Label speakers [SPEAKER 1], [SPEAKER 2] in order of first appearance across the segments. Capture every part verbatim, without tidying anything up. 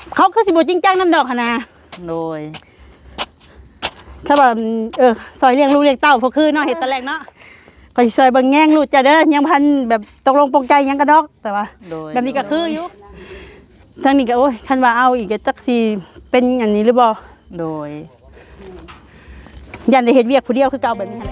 [SPEAKER 1] เขาคือสิบ่จริงจังน้ำดอกหั่นน่ะ
[SPEAKER 2] โดย
[SPEAKER 1] เขาบอกเออซอยเลี้ยงลูกเลี้ยงเต้าพวกคือเนาะเฮ็ดตอนแรกเนาะก็สิซอยเบิ่งแย่งลูกจ้ะเด้อยังพันแบบตกลงปลงใจยังกระดอกแต่ว่าแบบนี้ก็คืออยู่ทางนี้ก็โอ้ยคันว่าเอาอีกก็จักสิเป็นอันนี้หรือบ่
[SPEAKER 2] โดย
[SPEAKER 1] ยันได้เฮ็ดเวียกผู้เดียวคือเก่าแบบนี้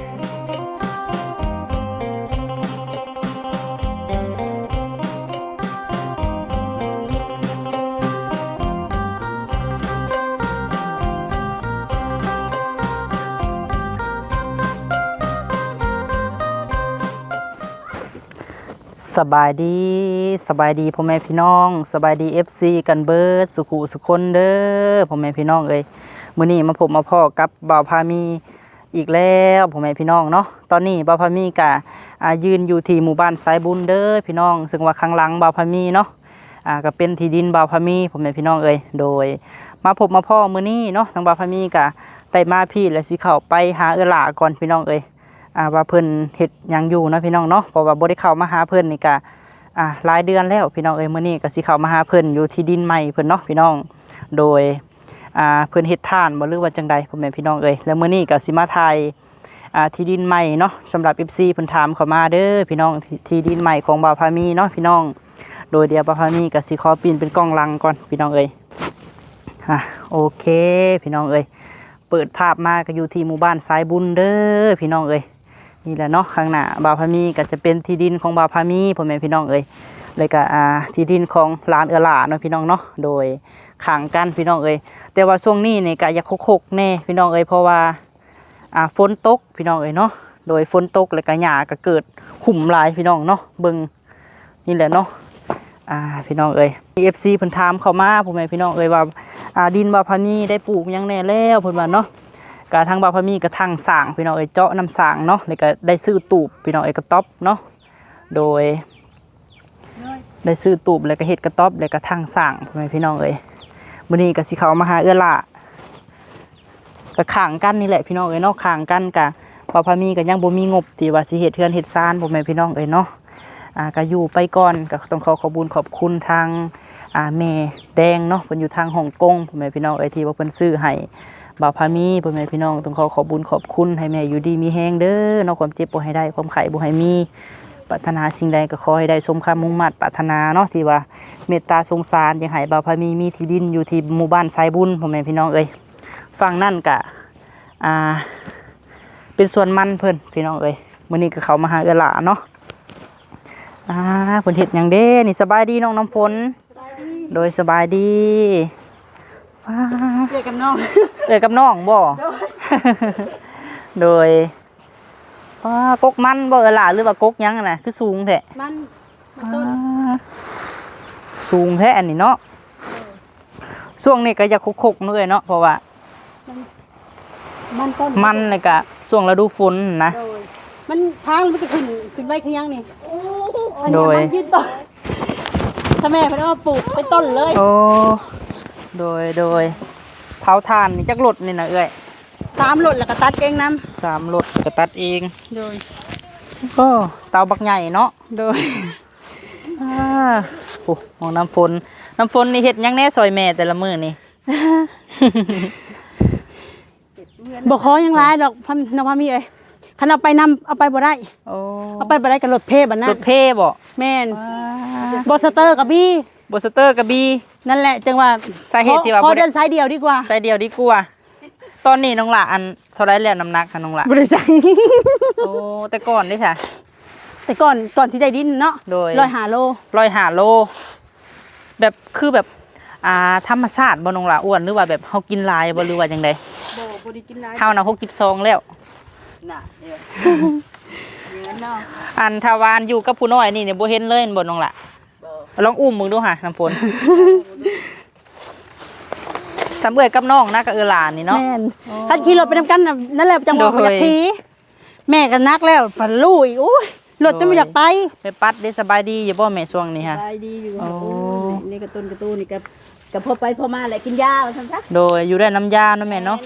[SPEAKER 2] สบายดีสบายดีพ่อแม่พี่น้องสบายดี เอฟ ซี กันเบิดสุขุสุคนเด้อพ่อแม่พี่น้องเอ้ยมื้อนี้มาพบมาพ่อกับบ่าวพามีอีกแล้วพ่อแม่พี่น้องเนาะตอนนี้บ่าวพามีก็อ่ายืนอยู่ที่หมู่บ้านสายบุญเด้อพี่น้องซึ่งว่าข้างหลังบ่าวพามีเนาะอ่าก็เป็นที่ดินบ่าวพามีพ่อแม่พี่น้องเอ้ยโดยมาพบมาพ่อมื้อนี้เนาะทางบ่าวพามีก็ได้มาพี่และสิเข้าไปหาเอื้อหล่าก่อนพี่น้องเอ้ยอ่าว่าเพิ่นเฮ็ดหยังอยู่เนาะพี่น้องเนาะเพราะว่าบ่ได้เข้ามาหาเพิ่นนี่ก็อ่าหลายเดือนแล้วพี่น้องเอ้ยมื้อนี้ก็สิเข้ามาหาเพิ่นอยู่ที่ดินใหม่เพิ่นเนาะพี่น้องโดยอ่าเพิ่นเฮ็ดทานบ่หรือว่าจังใดพ่อแม่พี่น้องเอ้ยแล้วมื้อนี้ก็สิมาถ่ายอ่าที่ดินใหม่เนาะสำหรับ เอฟ ซี เพิ่นถามเข้ามาเด้อพี่น้องที่ดินใหม่ของบ่าวพามีเนาะพี่น้องโดยเดียวบ่าวพามีก็สิขอปีนเป็นกล้องหลังก่อนพี่น้องเอ้ยอ่ะโอเคพี่น้องเอ้ยเปิดภาพมาก็อยู่ที่หมู่บ้านสายบุญเด้อพี่น้องเอ้ยนี่แหละเนาะข้างหน้าบ่าวพามีก็จะเป็นที่ดินของบ่าวพามีพ่อแม่พี่น้องเอ้ยเลยก็อ่าที่ดินของหลานเอื้อหล่าเนาะพี่น้องเนาะโดยข้างกันพี่น้องเอ้ยแต่ว่าช่วงนี้นี่ก็อยากคกๆแน่พี่น้องเอ้ยเพราะว่าอ่าฝนตกพี่น้องเอ้ยเนาะโดยฝนตกแล้วก็หญ้าก็เกิดหุ่มหลายพี่น้องเนาะเบิ่งนี่แหละเนาะอ่าพี่น้องเอ้ย เอฟ ซี เพิ่นถามเข้ามาพ่อแม่พี่น้องเอ้ยว่าอ่าดินบ่าวพามีได้ปลูกหยังแน่แล้วเพิ่นว่าเนาะกะทางบ่าวพามีกะทางสร้างพี่น้องเอ้ยเจาะน้ำสร้างเนาะแล้วก็ได้ซื้อตูบพี่น้องเอ้ยกระต๊อบเนาะโดยได้ซื้อตูบแล้วก็เฮ็ดกระต๊อบแล้วก็ทางสร้างพ่อแม่พี่น้องเอ้ยมื้อนี้ก็สิเข้ามาหาเอื้อหล่าก็ข้างกันนี่แหละพี่น้องเอ้ยเนาะข้างกันกะบ่าวพามีก็ยังบ่มีงบที่ว่าสิเฮ็ดเฮือนเฮ็ดศาลพ่อแม่พี่น้องเอ้ยเนาะอ่าก็อยู่ไปก่อนก็ต้องขอขอบคุญขอบคุณทางอ่าแม่แดงเนาะเพิ่นอยู่ทางฮ่องกงพ่อแม่พี่น้องเอ้ยที่ว่าเพิ่นซื้อให้บ่าวพามีพ่อแม่พี่น้องต้องขอขอบคุญขอบคุณให้แม่อยู่ดีมีแฮงเด้อเนาะความเจ็บบ่ให้ได้ความไข้บ่ให้มีปรารถนาสิ่งใดก็ขอให้ได้สมความมุ่งมั่นปรารถนาเนาะที่ว่าเมตตาสงสารอยากให้บ่าวพามีมีที่ดินอยู่ที่หมู่บ้านสายบุญพ่อแม่พี่น้องเอ้ยฝั่งนั่นก็อ่าเป็นส่วนมันเพิ่นพี่น้องเอ้ยมื้อนี้ก็เข้ามาหาเอื้อหล่าเนาะอ่าเพิ่นเฮ็ดหยังเด้นี่สบายดีน้องน้ำฝนโดยสบายดีว้าเอื้อกับน้องเอื้อกับน้องบ่โดยว้ากกมันบ่เอื้อหล่าหรือว่ากกหยังน่ะคือสูงแท้มันต้นสูงแท้อันนี้เนาะช่วงนี้ก็อยากคกๆเนาะเอ้ยเนาะเพราะว่ามันต้นมันเลยก็ช่วงฤดูฝนนะ
[SPEAKER 1] มันทางมันจะขึ้นขึ้นไว้คือยังนี่
[SPEAKER 2] โดย
[SPEAKER 1] ยืดต้นถ้าแม่เพิ่นเอาปลูกเป็นต้นเลย
[SPEAKER 2] โอ้โดยโดยเผาถ่านนี่จักรถนี่นะเอ้ย
[SPEAKER 1] สามรถแล้วก็ตัดเองนำ
[SPEAKER 2] สามรถก็ตัดเอง
[SPEAKER 1] โดย
[SPEAKER 2] โอ้เตาบักใหญ่เนาะ
[SPEAKER 1] โดย
[SPEAKER 2] อ่าโอ้มองน้ำฝนน้ำฝนนี่เฮ็ดยังแน่ซอยแม่แต่ละมื้อนี่
[SPEAKER 1] บ่ขอยังหลายดอกพันน้องพามีเอ้ยคันเอาไปนำเอาไปบ่ได้
[SPEAKER 2] โอ้
[SPEAKER 1] เอาไปบ่ได้กับรถเพบัดนั้น
[SPEAKER 2] รถเพบ่
[SPEAKER 1] แม่นบ่สเตอร์กับบี้
[SPEAKER 2] บ่สเตอร์กับบี้
[SPEAKER 1] นั่นแหละจังว่า
[SPEAKER 2] สาเหตุที่ว่า
[SPEAKER 1] บ่เดินสายเดียวดีกว่า
[SPEAKER 2] สายเดียวดีกว่าตอนนี้น้องหล่าอันเท่าไรแล้วน้ำหนักค่ะน้องหล่า
[SPEAKER 1] บ่ได้สั่ง
[SPEAKER 2] โอ้แต่ก่อนนี่ค่ะ
[SPEAKER 1] แต่ก่อนก่อนสิได้ดินเนาะ
[SPEAKER 2] โดย
[SPEAKER 1] หนึ่งร้อยห้าโล
[SPEAKER 2] หนึ่งร้อยห้าโลแบบคือแบบอ่าธรรมชาติบ่น้องหล่าอ้วนหรือว่าแบบเฮากินหลายบ่หรือว่าจังได๋
[SPEAKER 1] บ่บ่ได้กินหลาย
[SPEAKER 2] เฮาน่ะหกสิบสองแล้ว
[SPEAKER 1] น่ะเด้อเนาะ
[SPEAKER 2] อันทวารอยู่กับผู้น้อยนี่เนี่ยบ่เห็นเลยบ่น้องล่ะลองอุ้มมึงดูค่ะน้ำฝนสำเร็จกับน้องนะกับเอื้อหล่านี่เนาะ
[SPEAKER 1] แม่นถ้าขี่รถไปนำกันนั่นแหละจังหวะอยากขี่แม่ก็นักแล้วฝันลูกอีกโอ้ยรถจะไม่อยากไป
[SPEAKER 2] ไปปัดได้สบายดีอยู่บ่แม่ช่วงนี้ฮะ
[SPEAKER 1] สบายดีอยู่โอ้นี่กระตุ้นกระตุ้นนี่กับกับพอไปพอมาแหละกินยาซั่นซะ
[SPEAKER 2] โดยอยู่ได้น้ำยาเนาะแม่เนาะ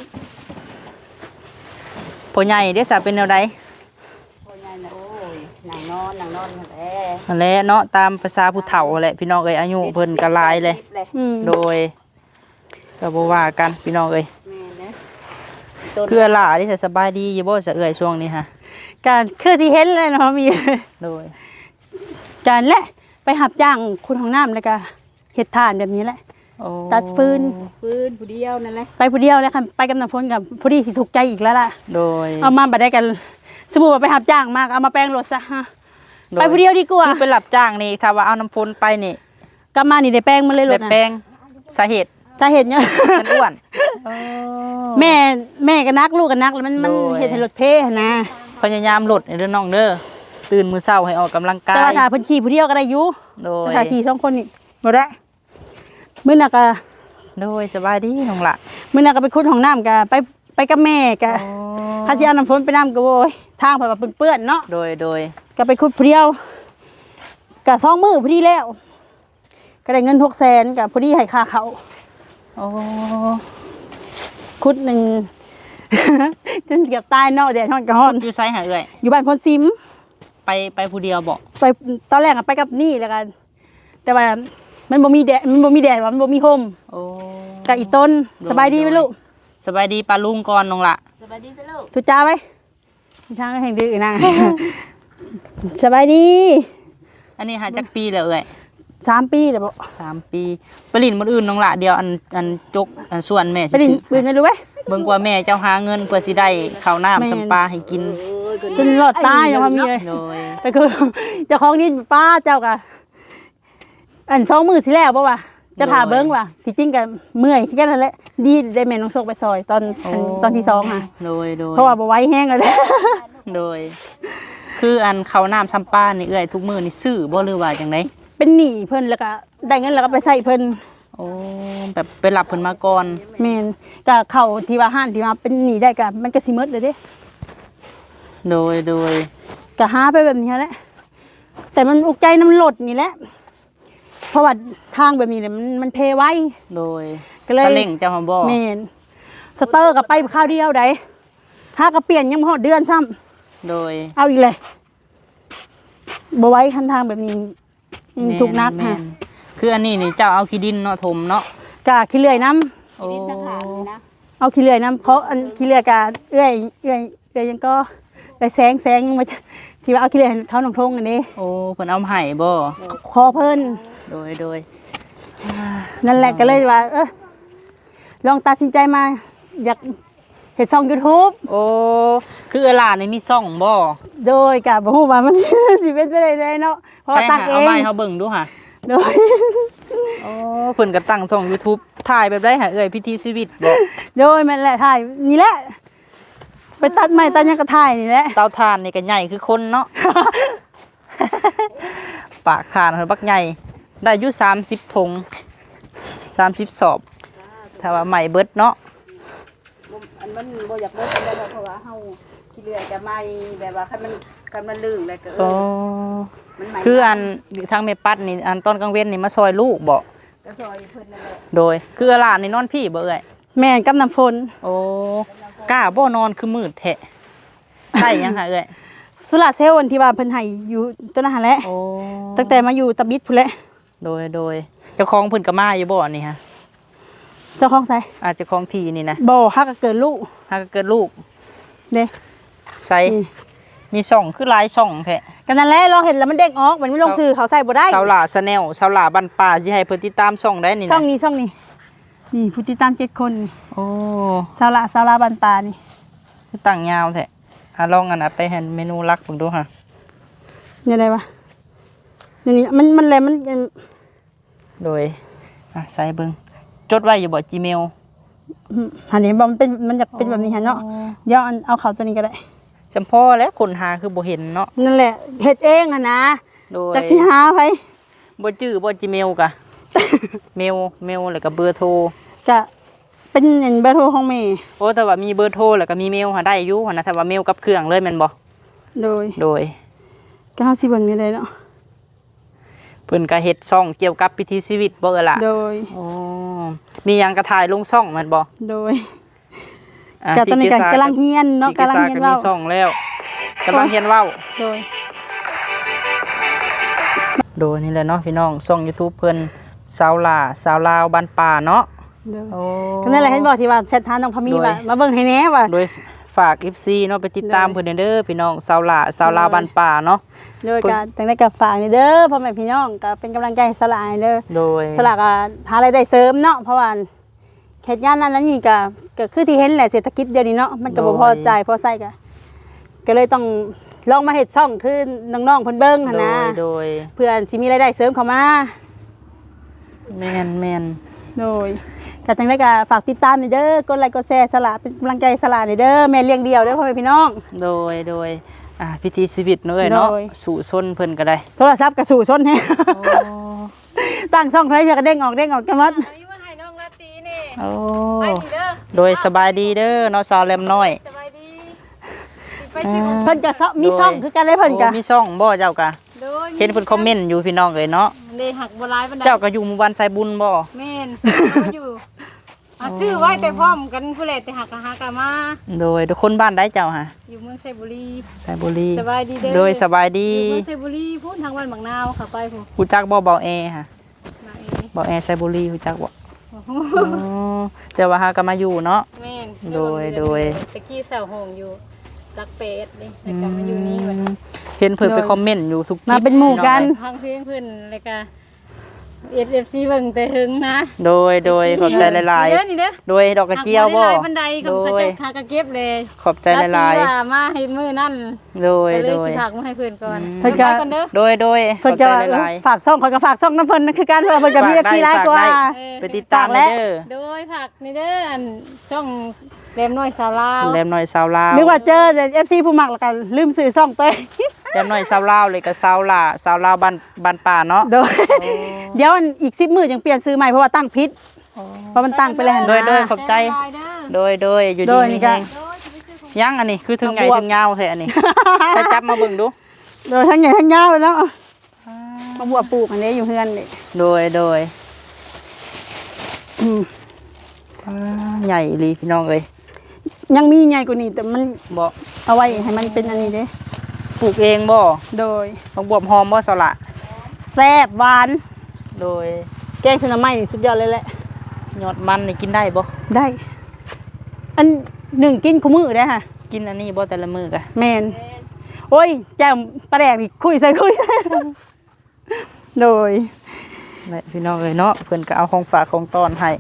[SPEAKER 2] พ่อใหญ่ได้สาเป็นแนวใด
[SPEAKER 1] พ่อใหญ่น่ะโอ้ยนั่งนอนนั่งนอนนั่นแหละ
[SPEAKER 2] นั่นแหละเนาะตามภาษาผู้เฒ่าแหละพี่น้องเอ้ยอายุเพิ่นก็หลายเลยโดยก็บ่ว่ากันพี่น้องเอ้ย
[SPEAKER 3] แม่นะ
[SPEAKER 2] คือหล่าที่สบายดีอยู่บ่ซะเอ้ยช่วงนี้ฮะ
[SPEAKER 1] การคือที่เห็นเลยเนาะมี
[SPEAKER 2] โดย
[SPEAKER 1] การและไปหับจ้างคุณของน้ำแล้วก็เฮ็ดทานแบบนี้แหละ
[SPEAKER 2] โอ้
[SPEAKER 1] ตัดฟืน
[SPEAKER 3] ฟื้นผู้เดียวนั่นแหละ
[SPEAKER 1] ไปผู้เดียวแล้วค่ะไปกับน้ำฝนกับผู้ที่ถูกใจอีกแล้วล่ะ
[SPEAKER 2] โดย
[SPEAKER 1] เอามาบัดได้กันสมมุติว่าไปหับจ้างมากเอามาแปลงรถซะฮะ
[SPEAKER 2] โด
[SPEAKER 1] ไปผู้เดียวดีกว่า
[SPEAKER 2] คือไปรับจ้างนี่ถ้าว่าเอาน้ำฝนไปนี่
[SPEAKER 1] กลับมานี่ได้แปลงมาเลยร
[SPEAKER 2] ได้
[SPEAKER 1] ถนะ
[SPEAKER 2] แปลงสาเหตุ
[SPEAKER 1] ถ้าเห็นเนี่ย
[SPEAKER 2] มันอ้วน
[SPEAKER 1] แม่แม่ก็นักลูกก็นักแล้วมันมัน
[SPEAKER 2] โดย
[SPEAKER 1] เฮ็ดให้รถเพ่นะ
[SPEAKER 2] พยายามลดเด้อน้องเด้อตื่นมื้อเช้าให้ออกกำลังกา
[SPEAKER 1] แต่
[SPEAKER 2] ย
[SPEAKER 1] ว่าถ้าเพิ่นขี่ผู้เดียวก็ได้อยู่
[SPEAKER 2] โดย
[SPEAKER 1] แต่ถ้าขี่สองคนนี่บ่ได้มื้อน่ะก็
[SPEAKER 2] โดยสบายดีน้องละ
[SPEAKER 1] มื้อน่ะก็ไปขุดห้องน้ำก็ไปไปกับแม่ก็ถ้าสิเอาน้ำฝนไปน้ำก็โว้ยทางเพิ่นว่าเปื้อนๆเนาะ
[SPEAKER 2] โดยโดย
[SPEAKER 1] ก็ไปขุดผู้เดียวก็สองมื้อพอดีแล้ว ก็ได้เงินหกแสนก็พอดีให้ค่าเขาว
[SPEAKER 2] โอ้
[SPEAKER 1] ขุดหนึ่ง จนเกือบตายเนาะแดดร้อนก็ร้อน
[SPEAKER 2] อยู่ไสหาเอ้ย
[SPEAKER 1] อยู่บ้านพนซิม
[SPEAKER 2] ไปไปผู้เดียวบ่
[SPEAKER 1] ไปตอนแรกอะไปกับนี่แล้วกัน แต่ว่ามันบ่มีแดดมันบ่มีแดดว่ามันบ่มีลม
[SPEAKER 2] โอ้
[SPEAKER 1] กับอีต้นสบายดีไหมลูก
[SPEAKER 2] สบายดีปลาลุงก่อนน้องละ
[SPEAKER 3] สบายดีซะลูก
[SPEAKER 1] ทุจ้าไว้ทางแห่งดื้อนะ สบายดี
[SPEAKER 2] อันนี้หาจักปีแล้วเอ้ย
[SPEAKER 1] สามปีแล้วบ่
[SPEAKER 2] สามปีไปลินมื้ออื่นน้องละเดียวอันอันจกอันส่วนแม่
[SPEAKER 1] ไปดิน
[SPEAKER 2] ถือ
[SPEAKER 1] ปืนไม่รู้ไหม
[SPEAKER 2] เบิ่งกว่าแม่เจ้าหาเงินเพื่อสิได้ข้าวน้ำสำปลาให้กิน
[SPEAKER 1] จนรอดตายเนาะพอมีเลย
[SPEAKER 2] โดย
[SPEAKER 1] ไปคือ เจ้าของนี่ป้าเจ้ากะอันสองมือสิแล้วบ่วะจะถ่าเบิ้งว่ะที่จริงกับเมื่อยแค่นั้นแหละดีได้แม่น้องโชคไปซอยตอนอันตอนที่สองค่ะ
[SPEAKER 2] โดยโดย
[SPEAKER 1] เพราะว่าบ่ไหว้แห้งแล้วแหละ
[SPEAKER 2] โดย คืออันข้าวน้ำสำปลานี่เอ้ยทุกมื้อนี่ซื้อบ่หรือว่าจังได
[SPEAKER 1] เป็นหนี้เพิ่นแล้วก็ได้เงินแล้วก็ไปใส่เพิ่น
[SPEAKER 2] โอ้แบบไปรับเพิ่นมาก่อน
[SPEAKER 1] แม่นก็เข้าที่ว่าห้านที่ว่าเป็นหนี้ได้ก็มันก็สิหมดเลยเด้
[SPEAKER 2] โดยโดย
[SPEAKER 1] ก็หาไปแบบนี้แหละแต่มันอุกใจน้ำลดนี่แหละเพราะว่าทางแบบนี้เนี่ยมันมันเพไว้
[SPEAKER 2] โดย
[SPEAKER 1] ก็เลย
[SPEAKER 2] สเล่งเจ้าหอมบ่
[SPEAKER 1] แม่นสเตอร์ก็ไปข้าวเดียวได้หาก็เปลี่ยนยังบ่ฮอดเดือนซ้ำ
[SPEAKER 2] โดย
[SPEAKER 1] เอาอีกเลยบ่ไว้คันทางแบบนี้อืม
[SPEAKER 2] แม่
[SPEAKER 1] ถูกนัก
[SPEAKER 2] แม่
[SPEAKER 1] ค่ะ
[SPEAKER 2] คืออันนี้นี่เจ้าเอาขี้ดินเนาะถมเนาะ
[SPEAKER 1] กะขี้เลื่อยน้
[SPEAKER 2] โอ้
[SPEAKER 3] ดินทหารนี่นะ
[SPEAKER 1] ำเอาขี้เลื่อยน้ำเพราะอันขี้เลื่อยกะเอื้อยเอื้อยเอื้อยยังก็ไปแสงแสงยังมาที่ว่าเอาขี้เลื่อยให้เขาหนองทงอันนี้
[SPEAKER 2] โอ้เพิ่นเอามาให้บ่
[SPEAKER 1] คอเพิ่น
[SPEAKER 2] โดยโดย
[SPEAKER 1] นั่นแหละก็เลยว่า เออลองตัดสินใจมา อยากเห็นช่อง YouTube
[SPEAKER 2] โอ้คือเออหลานนี่มีซ่องบ่
[SPEAKER 1] โดยกะบ่ฮู้ว่ามัน สิเป็นไปได้ไดเนาะเพราะว่า
[SPEAKER 2] ใช่
[SPEAKER 1] ตั้ง
[SPEAKER 2] ค่ะ
[SPEAKER 1] เอ
[SPEAKER 2] เอา
[SPEAKER 1] ง
[SPEAKER 2] มาให้เฮาเบิ่งดูค่ะ
[SPEAKER 1] โดย
[SPEAKER 2] โอ้เพิ่นก็ตั้งช่อง YouTube ถ่ายแบบได้หาเอ้ยพิธีชีวิตบ่
[SPEAKER 1] โดยแม่นแหละถ่ายนี่แหละ ไปตัดไม้ตัดหยังก็ถ่ายนี่แหละ
[SPEAKER 2] เตาถ่านนี่ก็ใหญ่คือคนเนาะ ปากคานเพิ่นบักใหญ่ได้อยู่สามสิบถุงสามสิบสอบถ้าว่าใหม่เบิดเนาะ
[SPEAKER 3] อันมันบ่อยากเลิกกันได้เพราะว่าเฮาขี้เลื่อยก็ไม่แบบว่าคันมันคันมันลื่นแล้วก็เอ
[SPEAKER 2] โอ้
[SPEAKER 3] อมันใหม่
[SPEAKER 2] คืออันทางแม่ปัดนี่อันตอนกลางเว้นนี่มาซอยลูกบ่
[SPEAKER 3] ก็ซอยเพิ่นนั่นแหละ
[SPEAKER 2] โดย คือหลานนี่นอนพี่บ่เอ้ย
[SPEAKER 1] แม่นกับน้ำฝน
[SPEAKER 2] โอ้กล้าบ่นอนคือมืดแท้ใช่ยังหาเอ้ย
[SPEAKER 1] สุราเซลล์อันที่ว่าเพิ่นให้อยู่ตัวนั้นหั่นแหละ
[SPEAKER 2] โอ้
[SPEAKER 1] ตั้งแต่มาอยู่ตะบิดพุ่นแหละ
[SPEAKER 2] โดยโดยเจ้าของเพิ่นก็มาอยู่บ่นี่ฮะ
[SPEAKER 1] เจ้าของไส
[SPEAKER 2] อาจจะของทีนี่นะ
[SPEAKER 1] บ่ฮักก็เกิดลูก
[SPEAKER 2] หากเกิดลูก
[SPEAKER 1] เด้
[SPEAKER 2] ใส่มีช่องคือหลายช่องแท้
[SPEAKER 1] ก็นั่นแหละลองเห็นแล้วมันเด้งออกมันไม่ลงชื่อเขาใส่บ่ได้
[SPEAKER 2] สาวหลาสแนลสาวหลาบันป่าสิให้เพิ่นติดตามช่องได้นี่นะ
[SPEAKER 1] ช่องนี้ช่องนี้นี่ผู้ติดตามเจ็ดคนนี่
[SPEAKER 2] โอ้
[SPEAKER 1] สาวละสาวละบันปลานี่
[SPEAKER 2] คือตั้งยาวแท้อ่ะลองอันน่ะไปเห็นเมนูลักเบิ่งดูฮะ
[SPEAKER 1] ยังไงวะนี่นี่มันมันอะไรมัน
[SPEAKER 2] โดยอ่ะใส่เบิ่งจดไว้อยู่บ่ Gmail
[SPEAKER 1] อันนี้บ่มันเป็นมันจะเป็นแบบนี้ฮะเนาะเดี๋ยวเอาเอาเขาตัวนี้ก็ได้
[SPEAKER 2] จำพอแล้วคนหาคือบ่เห็นเนาะ
[SPEAKER 1] นั่นแหละเฮ็ดเองอ่ะนะ
[SPEAKER 2] โดย
[SPEAKER 1] จักสิหาไผ
[SPEAKER 2] บ่จื้อบ่ Gmail กะ เมลเมลแล้วก็เบอร์โทร
[SPEAKER 1] ก็เป็นเงินเบอร์โทรของแม่
[SPEAKER 2] โอ้แต่ว่ามีเบอร์โทรแล้วก็มีเมลหาได้อยู่หั่นนะถ้าว่าเมลกับเครื่องเลยแม่นบ่
[SPEAKER 1] โดย
[SPEAKER 2] โดย
[SPEAKER 1] ก็เฮาสิเบิ่งนี่ได้เนาะ
[SPEAKER 2] เพิ่นก็เฮ็ดช่องเกี่ยวกับพิธีชีวิตบ่เอ่อล่ะ
[SPEAKER 1] โดย
[SPEAKER 2] โอ้มีหยังก็ถ่ายลงช่องแม่นบ่
[SPEAKER 1] โดย
[SPEAKER 2] อ่ะ
[SPEAKER 1] ก็ตอนนี้ก็
[SPEAKER 2] พี่
[SPEAKER 1] กำลังเฮียนเนาะ
[SPEAKER 2] พี่
[SPEAKER 1] กำลัง
[SPEAKER 2] ซ่
[SPEAKER 1] เฮียน
[SPEAKER 2] ก็
[SPEAKER 1] เว้า
[SPEAKER 2] มีช่องแล้วกำลังเฮียนเว้า
[SPEAKER 1] โดย
[SPEAKER 2] โดยนี่แหละเนาะพี่น้องช่อง YouTube เพิ่นสาวลาสาวลาวบ้านป่าเนาะโอ้
[SPEAKER 1] ก็นั่นแหละเห็นบอกที่ว่าแชทหาน้องพามี
[SPEAKER 2] โดย
[SPEAKER 1] ว่ามาเบิ่งให้แหน่ว่า
[SPEAKER 2] โดยฝาก เอฟ ซี เนาะไปติดตาม
[SPEAKER 1] โดย
[SPEAKER 2] เพิ่นเด้อพี่น้องสาวหล่าสาวลาวบ้านป่าเนาะ
[SPEAKER 1] โดยการจังได้กับฝากนี่เด้อพ่อแม่พี่น้องก็เป็นกำลังใจให้สลายเด้อ
[SPEAKER 2] โดย
[SPEAKER 1] สลากก็หารายได้เสริมเนาะเพราะว่าเฮ็ดงานนั้นนั้นนี่ก็ก็คือที่เห็นแหละเศรษฐกิจเดี๋ยวนี้เนาะมันก็บ่พอใจพอใช้ก็ก็เลยต้องลองมาเฮ็ดช่องคือน้องๆเพิ่นเบิ่งหั่น
[SPEAKER 2] โด
[SPEAKER 1] นะ
[SPEAKER 2] ยโดย
[SPEAKER 1] เพื่อสิมีรายได้เสริมเข้ามา
[SPEAKER 2] แม่นแม่น
[SPEAKER 1] โดยก็จังได้ก็ฝากติดตามนี่เด้อกดไลค์กดแชร์สลากเป็นกำลังใจสลากนี่เด้อแม่เลี้ยงเดี่ยวเด้อพ่อแม่พี่น้อง
[SPEAKER 2] โดยโดยอ่าพิธีชีวิตเนาะเอ้ยเนาะ
[SPEAKER 1] โดย
[SPEAKER 2] สู่ซนเพิ่นก็ได้
[SPEAKER 1] โทรศัพท์ก็สู่ชนแฮะ
[SPEAKER 2] โอ้
[SPEAKER 1] ตั้งช่องใครจะกระเด้งออกเด้งออกกันหมด
[SPEAKER 3] อันนี้มาให้น้องลาตีนี่
[SPEAKER 2] โอ้
[SPEAKER 3] ไปดีเด้อ
[SPEAKER 2] โดยสบายดีเด้อเนาะสาวแหลมน้อย
[SPEAKER 3] สบายดีไปสิ
[SPEAKER 1] เพิ่นก็เขามีช่องคือกันได้เพิ่นก็
[SPEAKER 2] โอ้มีซ่องบ่เจ้ากะ
[SPEAKER 3] โดย
[SPEAKER 2] เห็นเพิ่นคอมเมนต์อยู่พี่น้องเอ้ยเนาะ
[SPEAKER 3] เดหักบ่หลายปานใด
[SPEAKER 2] เจ้าก็อยู่หมู่บ้านไซบุญบ่
[SPEAKER 3] แม่นเอาอยู่อ่ะชื่อไว้แต่พร้อมกันผู้แลแต่หักกะหากะมา
[SPEAKER 2] โดยทุกคนบ้านได้เจ้าฮะ
[SPEAKER 3] อยู่เมืองไซบุรี
[SPEAKER 2] ไซบุรี
[SPEAKER 3] สบายดีเด้อ
[SPEAKER 2] โดยสบายดี
[SPEAKER 3] อยู่เมืองไซบุรีพูดทางวันบางนาวค่ะไปผู้
[SPEAKER 2] ฮู้จักบ่เบาแอฮะ
[SPEAKER 3] มาเอง
[SPEAKER 2] เบาแอไซบุรีฮู้จักบ่
[SPEAKER 3] โอ้โห
[SPEAKER 2] อ๋อแต่ว่าหาก็มาอยู่เนาะ
[SPEAKER 3] แม่น
[SPEAKER 2] โดยโดย
[SPEAKER 3] ตะกี้เสาโหงอยู่รักเป็ดนี่แต่กลับมาอยู่นี่วัน
[SPEAKER 2] เห็นเพิ่นไปคอมเมนต์อยู่ทุกคลิป
[SPEAKER 1] มาเป็นหมู่กัน
[SPEAKER 3] พังเพลงเพิ่นเลยก็ เอส เอฟ ซี เบิ่งแต่หึงนะ
[SPEAKER 2] โดยโดยขอบใจหลาย
[SPEAKER 3] นี่เด้อนี่เด้อ
[SPEAKER 2] ๆ โดยดอกกระเจียวบ่
[SPEAKER 3] หักบ่ได้หลายบันได
[SPEAKER 2] โด
[SPEAKER 3] คำพระ
[SPEAKER 2] ย
[SPEAKER 3] เจ้าหากระเก็บเลย
[SPEAKER 2] ขอบใจหลาย
[SPEAKER 3] รัตว่ามาให้มื้อนั่น
[SPEAKER 2] ๆ โดย
[SPEAKER 3] ก็เล
[SPEAKER 2] โด
[SPEAKER 3] ย
[SPEAKER 2] ย
[SPEAKER 3] สิถักมาให้เพิ่นก่อน
[SPEAKER 2] อืม
[SPEAKER 1] เพิ่นก็
[SPEAKER 3] ไปก่อนเด้อ
[SPEAKER 2] โดยโดยข
[SPEAKER 1] เพิ่
[SPEAKER 2] อน บ
[SPEAKER 1] ก็
[SPEAKER 2] ใจหลาย
[SPEAKER 1] ฝากช่องเขาก็ฝากช่องน้ำเพิ่นนะคือการเพิ่นก็มี
[SPEAKER 2] ฝากได้
[SPEAKER 1] เอฟซีหลายกว่า
[SPEAKER 2] ฝากได้
[SPEAKER 3] เออ
[SPEAKER 2] ๆ ไปติดตามเลยเด้อ
[SPEAKER 3] โดยผักนี่เด้ออันช่องแรมน้อยสาวลาว
[SPEAKER 2] แรมน้อยสาวลาว
[SPEAKER 1] นึกว่าเจอแต่ เอฟ ซี ผู้มักแล้วก็ลืมซื้อช่องตัวเอง
[SPEAKER 2] แรมน้อยสาวลาวเลยก็สาวลาสาวลาวบ้านบ้านป่าเนาะ
[SPEAKER 1] โดยเดี๋ยวอันอีกสิบมื้อจังเปลี่ยนซื้อใหม่เพราะว่าตั้งผิดเพราะมันตั้งไปแล้ว
[SPEAKER 2] โดยโดย
[SPEAKER 1] นะ
[SPEAKER 2] ขอบใจ
[SPEAKER 3] แรมลายเด้อ
[SPEAKER 2] โดยโดยอยู่
[SPEAKER 1] โด
[SPEAKER 2] ดี
[SPEAKER 1] ยนี่
[SPEAKER 2] มี
[SPEAKER 1] ก็
[SPEAKER 2] แฮง
[SPEAKER 3] โดยสิไปซื้อของ
[SPEAKER 2] ยังอันนี้คือถึงไง
[SPEAKER 1] มาบวก
[SPEAKER 2] ถึงยาวแท้อันนี้ ไปจับมาเบิ่งดู
[SPEAKER 1] โดยทั้งใหญ่ทั้งยาวเลยเนาะมาบัวปลูกอันนี้อยู่เฮือนนี่
[SPEAKER 2] โดยโดย
[SPEAKER 1] อืม
[SPEAKER 2] อ่าใหญ่อีหลีพี่น้องเอ้ย
[SPEAKER 1] ยังมีใหญ่กว่านี้แต่มัน
[SPEAKER 2] บ่
[SPEAKER 1] เอาไว้ให้มันเป็นอันนี้เด้
[SPEAKER 2] ปลูกเองบ่
[SPEAKER 1] โดย
[SPEAKER 2] บักบวบหอมบ่สละ
[SPEAKER 1] แซ่บหวาน
[SPEAKER 2] โดย
[SPEAKER 1] แกงชะน้ำไม้นี่สุดยอดเลยแหละ
[SPEAKER 2] ยอดมันนี่กินได้บ่
[SPEAKER 1] ได้ อันหนึ่งกินคู่มือได้อค่ะ
[SPEAKER 2] กินอันนี้บ่แต่ละมื้อกะ
[SPEAKER 1] แมนโอ้ยแจ่มปลาแดกนี่คุยใส่คุย โดย
[SPEAKER 2] และพี่น้องเอ้ยเนาะเพิ่นก็เอาของฝากของต้อนให้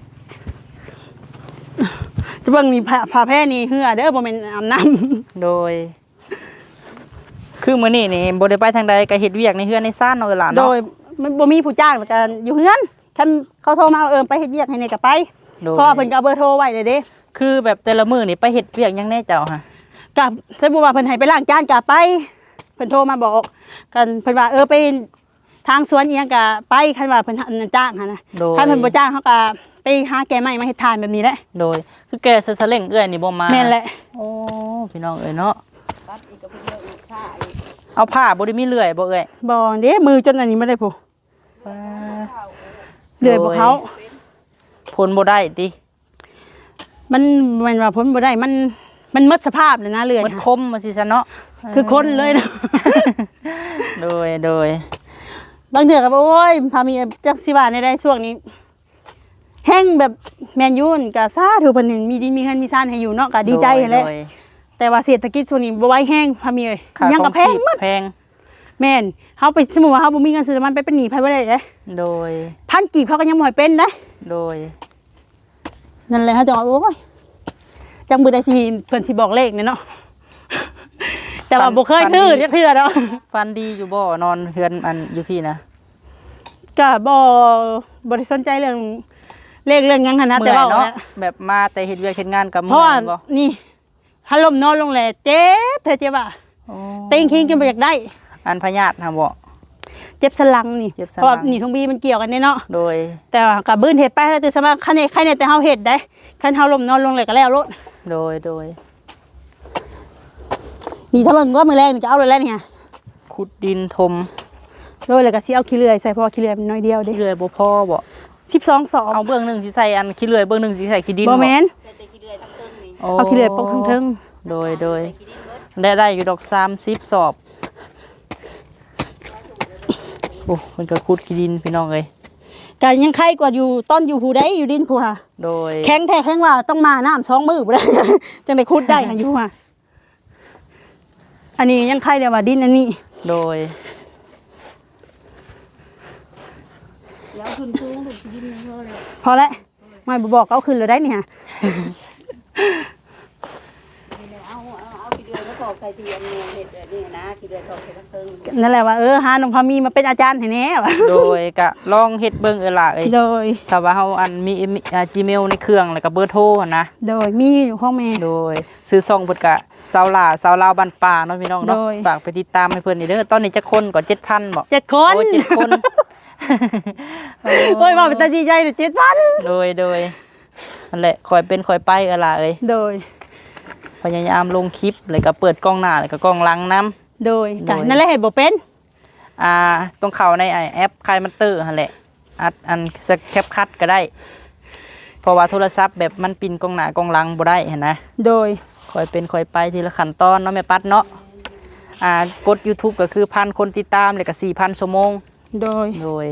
[SPEAKER 1] จะเบิ่งนี่ผ้าผ้าแพร่นี่เหือเด้อบ่แม่นอาบน้
[SPEAKER 2] โดย คือมื้อนี้นี่บ่ได้ไปทางใดก็เฮ็ดเวียกในเฮือนในซ่านเนาะเอ้ยหล่ะ
[SPEAKER 1] ำโด
[SPEAKER 2] เนาะ
[SPEAKER 1] ยมันบ่มีผู้จ้างแล้วกันอยู่เฮือนคันเขาโทรมาเอาเอิ้นไปเฮ็ดเวียกให้นี่ก็ไป
[SPEAKER 2] โดย
[SPEAKER 1] เพราะว่าเพิ่นก็เอาเบอร์โทรไว้เลยเด้
[SPEAKER 2] คือแบบแต่ละมื้อนี่ไปเฮ็ดเวียกหยังแน่เจ้าฮะ
[SPEAKER 1] กับสมมุติว่าเพิ่นให้ไปล้างจานก็ไปเพิ่นโทรมาบอกกันเพิ่นว่าเออไปทางสวนอีหยังก็ไปคันว่าเพิ่นอันจ้างหั่นนะ
[SPEAKER 2] โดย
[SPEAKER 1] ถ้าเพิ่นบ่จ้างเขาก็ไปหาแกไม้มาเฮ็ดทานแบบนี้แหละ
[SPEAKER 2] โดย คือแกซะซะเล่งเอื้อยนี่บ่มา
[SPEAKER 1] แม่นแหละ
[SPEAKER 2] โอ้พี่น้องเอ้ยเนาะ
[SPEAKER 3] ตัดอีกก็เพิ่นเลิกอีกค่าอีก
[SPEAKER 2] เอาผ้าบ่ได้มีเลื่อยบ่เอ้ย
[SPEAKER 1] บ่เด้มือจนอันนี้บ่ได้ผู้เลื่อยบ่เขา
[SPEAKER 2] ผลบ่ได้ติ
[SPEAKER 1] มันแม่นว่าผลบ่ได้มันมันหมดสภาพเลยนะเลื่อย
[SPEAKER 2] มัน
[SPEAKER 1] ค่ะ
[SPEAKER 2] คมว่าสิซะเนาะ
[SPEAKER 1] คือคนเลยนะ
[SPEAKER 2] โดยโดย
[SPEAKER 1] บางเดือก็บอกโอ้ยพามีจักสิว่าในได้ช่วงนี้แห้งแบบแมนยูนก็ซาถูเพิ่นนี่มีดินมีเงินมีซ่านให้อยู่เนาะก็ดีใจนั่นแหละ
[SPEAKER 2] โดย
[SPEAKER 1] แต่ว่าเศรษฐกิจช่วงนี้บ่ไหวแห้งพามีเอ้ย
[SPEAKER 2] ค่า
[SPEAKER 1] ยัง
[SPEAKER 2] ข
[SPEAKER 1] ก็
[SPEAKER 2] อง
[SPEAKER 1] แพง
[SPEAKER 2] ชีพ
[SPEAKER 1] หมด
[SPEAKER 2] แพง
[SPEAKER 1] แม่นเฮาไปสมมุติว่าเฮาบ่มีเงินซื้อน้ำมันไปเป็นหนี้ไผบ่ได้เด้
[SPEAKER 2] โดย
[SPEAKER 1] พันกีบเขาก็ยังบ่ให้เป็นเด้
[SPEAKER 2] โดย
[SPEAKER 1] นั่นแหละเฮาจะว่าโอ้ยจังมือได้สิเพิ่นสิบอกเลขเนี่ยเนาะ แต่ว่าบ่เคยซื้อจักเทื่อเนาะ
[SPEAKER 2] ฟันดีอยู่บ่นอนเฮือนอันอยู่พี่นะ
[SPEAKER 1] ก็บ่บ่ได้สนใจเรื่องเลขเรื่องหยังหั่นนะแต่
[SPEAKER 2] เมื่อย
[SPEAKER 1] ว่า
[SPEAKER 2] เนาะ
[SPEAKER 1] แหละ
[SPEAKER 2] แบบมาแต่เฮ็ดเวียกเฮ็ดงานกับ
[SPEAKER 1] เพ
[SPEAKER 2] เมื่
[SPEAKER 1] ราะ
[SPEAKER 2] อ
[SPEAKER 1] ว่าย
[SPEAKER 2] บ่
[SPEAKER 1] นี่ฮัลลมนอนลงแหละเจ็บเธอเจ็บอ่ะ
[SPEAKER 2] โอ้
[SPEAKER 1] เต็งคิงกินไปอยากได้
[SPEAKER 2] อันพญาตินะบ่
[SPEAKER 1] เจ็บสลังนี่
[SPEAKER 2] เจ็บสลัง
[SPEAKER 1] เพราะว่านี่ทงบีมันเกี่ยวกันเนาะ
[SPEAKER 2] โดย
[SPEAKER 1] แต่ว่ากับบื้นเห็ดไปแล้วแต่สมาคันนี้ใครเนี่ยแต่เฮาเห็ดได้คันเฮาลมนอนลงเลยก็แล้วรถ
[SPEAKER 2] โดยโดย
[SPEAKER 1] นี่ถ้าเบิ่งว่ามือแรงนี่จะเอาเลยแล้วนี่ไง
[SPEAKER 2] ขุดดินถม
[SPEAKER 1] โดยเลยก็สิเอาขี้เลื่อยใส่เพราะว่าขี้เลื่อยมันน้อยเดียวเด้
[SPEAKER 2] ขี้เลื่อยบ่พอบ่
[SPEAKER 1] สิบสองสอง
[SPEAKER 2] เอาเบื้องหนึงสิใส่อันขี้เลื่อยเบื้องหนึงสิใส่ขี้ดิน
[SPEAKER 1] บ่แม่น
[SPEAKER 3] แต่แต่ขี้เดือยทั้งต้นนี่
[SPEAKER 2] โอ้
[SPEAKER 1] เอาขี้เลื่อยปกเทิง
[SPEAKER 2] โดยโดย
[SPEAKER 3] ขี้ดินเบิด
[SPEAKER 2] ได้ได้อยู่ดอกสามสิบสอบโอ้มันก็ขุดขี้ดินพี่น้องเอ้ย
[SPEAKER 1] ก็ยังไข้กว่าอยู่ต้นอยู่ผู้ใดอยู่ดินผู้ค่ะ
[SPEAKER 2] โดย
[SPEAKER 1] แข็งแท้แข็งว่าต้องมาน้ำสองมือบ่ได้ จังได้ขุดได้ค่ะอยู่ค่ะอันนี้ยังไข้เดี๋ยวว่าดินอันนี้
[SPEAKER 2] โดย
[SPEAKER 3] แล้วขึ้นสูงดูสิดินเยอะเลย
[SPEAKER 1] พอแล้วไม่บ่บอกเอาขึ้นเลยได้นี่ค่ะ
[SPEAKER 3] เอาเอาเอาขี้เดือยแล้วก็ใส่เตียงเนี่ยเห็ดแบบนี้นะขี้เดือยตอกใส่กระเทิง
[SPEAKER 1] นั่นแหละว่าเออหาน้องพามีมาเป็นอาจารย์ให้แน่ว่ะ
[SPEAKER 2] โดยก็ลองเฮ็ดเบิ่งเออล่ะเอ้ย
[SPEAKER 1] โดย
[SPEAKER 2] ถ้าว่าเฮาอันมีมีอ่า Gmail ในเครื่องแล้วก็เบอร์โทรหั่นนะ
[SPEAKER 1] โดยมีอยู่ห้องแม่
[SPEAKER 2] โดยซื้อซองเพิ่นก็สาวลาสาวลาวบ้านป่าเนาะพี่น้องเนาะ
[SPEAKER 1] โดย
[SPEAKER 2] ฝากไปติดตามให้เพิ่นนี่เด้อตอนนี้จักคนก็ เจ็ดพัน บ่
[SPEAKER 1] เจ็ดคน
[SPEAKER 2] โอ้เจ็ดคน
[SPEAKER 1] โอ้ยว่าเป็นตาดีใจเจ็ดพัน
[SPEAKER 2] โดยโดยนั่นแหละคอยเป็นคอยไปเออล่ะเอ้ย
[SPEAKER 1] โดย
[SPEAKER 2] พยายามลงคลิปแล้วก็เปิดกล้องหน้าแล้วก็กล้องหลังนํ
[SPEAKER 1] โดย
[SPEAKER 2] โดย
[SPEAKER 1] กันนั่นแหละเห็นบ่เป็น
[SPEAKER 2] อ่าต้องเข้าในไอ้แอปคายมันเตอร์หั่นแหละอัดอันสแคปคัดก็ได้ เพราะว่าโทรศัพท์แบบมันปินกล้องหน้ากล้องหลังบ่ได้เห็นนะ
[SPEAKER 1] โดย
[SPEAKER 2] คอยเป็นคอยไปทีละขั้นตอนเนาะแม่ปัดเนาะอ่ากด YouTube ก็คือพันคนติดตามแล้วก็ สี่พัน ชั่วโมง
[SPEAKER 1] โดย
[SPEAKER 2] โดย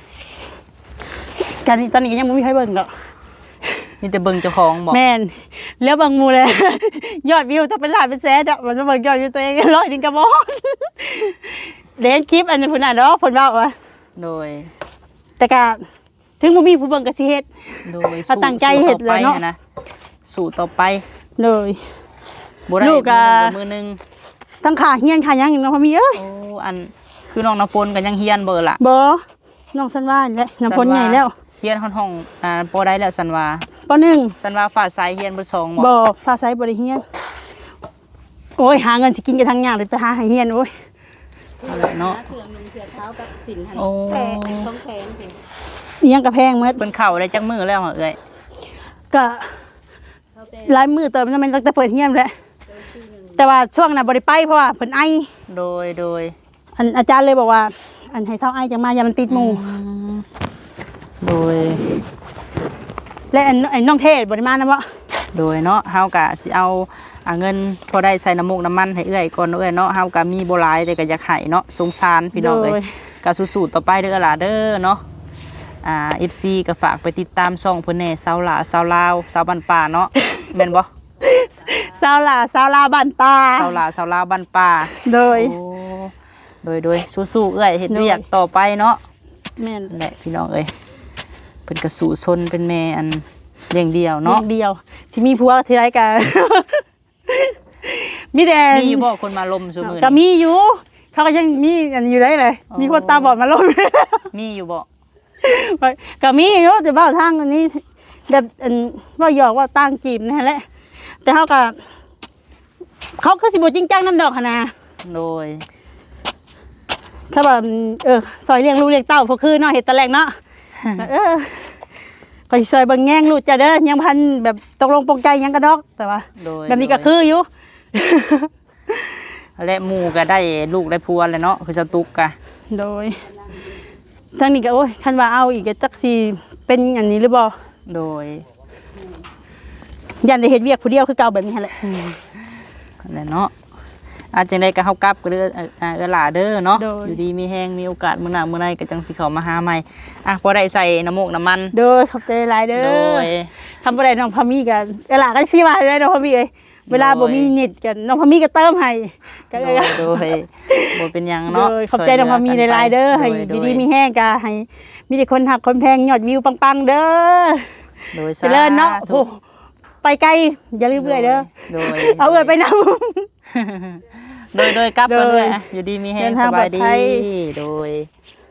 [SPEAKER 1] กันนี้ตอนนี้ก็ยังบ่มีใครเบิ่งดอก
[SPEAKER 2] นี่แต่เบิ่งเจ้าของบอก
[SPEAKER 1] แม่นแล้วบางหมู่เลย ยอดวิวถ้าเป็นล้านเป็นแสนอะมันมาเบิ่งยอดวิวตัวเองร้อยหนึงก็บ่ เล่นคลิปอันนี้พุ่นน่ะเนาะเพิ่นเว้าว่า
[SPEAKER 2] โดย
[SPEAKER 1] แต่ก็ถึงบ่มีผู้เบิ่งก็สิเฮ็ด
[SPEAKER 2] โดย
[SPEAKER 1] เอาตั้งใจเฮ็ดเลยเนาะ
[SPEAKER 2] สู้ต่อไปนะสู่ต่อไป
[SPEAKER 1] โดย
[SPEAKER 2] บ่ได้
[SPEAKER 1] ลูกอะ
[SPEAKER 2] มือหนึง
[SPEAKER 1] ทั้งขาเฮียนขาหยังอีกเนาะพอมีเอ้ย
[SPEAKER 2] โอ้อันคือน้องน้ำฝนก็ยังเฮียนเบอร์ล่ะ
[SPEAKER 1] บ่น้องสันว่านี่แหละน้ำพ้นใหญ่แล้ว
[SPEAKER 2] เฮียนห้องๆอ่าบ่ได้แล้วสันว่า
[SPEAKER 1] ปหนึ่ง
[SPEAKER 2] สันว่าฝาสายเฮียนเบ่สองบ่
[SPEAKER 1] บ่ภาษาบ่ได้เฮียนโอ้ยหาเงินสิกินกันทั้งยากเลยไปหาให้เฮียนโอ้ย
[SPEAKER 2] นั่นแหละเนาะ
[SPEAKER 3] เครื่องนึงเสือเท้ากับสินหัน
[SPEAKER 2] โอ้
[SPEAKER 3] แสนสองแสนสิ
[SPEAKER 1] อีหยังก็แพงหมด
[SPEAKER 2] เพิ่นเข้าได้จักมื้อแล้วเหรอเอ้ย
[SPEAKER 1] ก็
[SPEAKER 3] เขาแต่
[SPEAKER 1] หลายมื้อเติมมันมันตั้งแต่เปิดเฮียนแหละแต่ว่าช่วงน่ะบ่ได้ไปเพราะว่าเพิ่นไอ
[SPEAKER 2] โดยโดย
[SPEAKER 1] อันอาจารย์เลยบอกว่า อันให้เซาไอจังมาอย่ามันติดหมู่
[SPEAKER 2] โดย
[SPEAKER 1] และอันไอ้น้องเทศบ่ได้มานะบ่
[SPEAKER 2] โดยเนาะเฮากะสิเอาอ่าเงินพอได้ใส่น้ำมูกน้ำมันให้เอื้อยก่อนเนาะเอื้อยเนาะเฮากะมีบ่หลายแต่ก็อยากให้เนาะสงสารพี่น้องเอ้ยก็สู้ๆต่อไปเด้อล่ะเด้อเนาะอ่า เอฟ ซี ก็ฝากไปติดตามช่องเพิ่นแหน่สาวหลาสาวลาวสาวบ้านป่าเนาะแม่นบ่
[SPEAKER 1] สาวหลาสาวลาวบ้านตา
[SPEAKER 2] สาวหลาสาวลาวบ้านป่า
[SPEAKER 1] โดย
[SPEAKER 2] โอ้โดยโดยสู้ๆเอื้อยเฮ็ด
[SPEAKER 1] โดย
[SPEAKER 2] เวียกต่อไปเนาะ
[SPEAKER 1] แม่น
[SPEAKER 2] นั่นแหละพี่น้องเอ้ยเพิ่นก็สู้ซนเป็นแม่อันเลี้ยงเดียว
[SPEAKER 1] เนาะ
[SPEAKER 2] เนาะ
[SPEAKER 1] เดียวสิมีผัวทีไรกัน มีแต่
[SPEAKER 2] มีบ่คนมาลมซุมื้อ
[SPEAKER 1] ก็
[SPEAKER 2] นี้
[SPEAKER 1] มีอยู่ เขาก็ยังมีอันอยู่ได้เลย
[SPEAKER 2] อ๋อ
[SPEAKER 1] มีคนตาบอดมาลง
[SPEAKER 2] มีอยู่บ่
[SPEAKER 1] ก็มีอยู่แต่ว่าทางอันนี้แบบอันว่าหยอกว่าตั้งจีบนั่นแหละแต่เขาก็เขาคือสิบจริงจังนั่นดอกหั้นนะ
[SPEAKER 2] โดย
[SPEAKER 1] เขาแบบเออซอยเลี้ยงลูกเลี้ยงเต้าพวกคือเนาะเห็ดตะแลกเนาะ เออก็สิซอยเบิ่งแง่งลูกจ้ะเด้อยังพันแบบตกลงปลงใจยังกระดอกแต่ว่า
[SPEAKER 2] โดย
[SPEAKER 1] แบบนี้ก็คืออยู่
[SPEAKER 2] และหมู่ก็ได้ลูกได้ผัวเลยเนาะคือสตุกกะ
[SPEAKER 1] โดยทางนี้ก็โอ้ยคันว่าเอาอีกก็จักสิเป็นอันนี้หรือบ่
[SPEAKER 2] โดย
[SPEAKER 1] ยันได้เฮ็ดเวียกผู้เดียวคือเก่าแบบนี้หั่นแหละ
[SPEAKER 2] นั่นแหละเนาะอาจจังได๋ก็เฮากลับก็เด้อเอ่ออ่าเออหล่าเด้อเนาะอยู่ดีมีแฮงมีโอกาสมื้อหน้ามื้อใดก็จังสิเข้ามาหาใหม่อ่ะพอได้ใส่น้ำมูกน้ำมัน
[SPEAKER 1] โดยขอบใจหลายเด้
[SPEAKER 2] โด
[SPEAKER 1] อย ทำบ่ได้น้องพามีก็เออล่ะก็สิว่าได้น้องพามีเอ้ยเวลาบ่มีเน็ตกันน้องพามีก็เติมให้ก็
[SPEAKER 2] โด
[SPEAKER 1] เอ้ย
[SPEAKER 2] ยโดยบ่เป็นหยัง
[SPEAKER 1] โด
[SPEAKER 2] เนาะ
[SPEAKER 1] ยขอบใจน้องพามีหลายๆเด้อให้
[SPEAKER 2] โดย
[SPEAKER 1] ดีๆมีแฮงก็ให้มีแต่คนหักคนแพงยอดวิวปังๆเด้อ
[SPEAKER 2] โดย
[SPEAKER 1] เจริญเนาะโอ้ไปไกลอย่าลืมเอื้อยเด้อ
[SPEAKER 2] โดย
[SPEAKER 1] เอาเอื้อยไปนำ
[SPEAKER 2] โดยโดยกลับ
[SPEAKER 1] โดย
[SPEAKER 2] กันด้วยอ่ะอยู่ดีมีแฮ
[SPEAKER 1] เดิ
[SPEAKER 2] ง
[SPEAKER 1] น
[SPEAKER 2] ส
[SPEAKER 1] ทาง
[SPEAKER 2] บาย
[SPEAKER 1] ปลอด
[SPEAKER 2] ดี
[SPEAKER 1] ภัย
[SPEAKER 2] โดย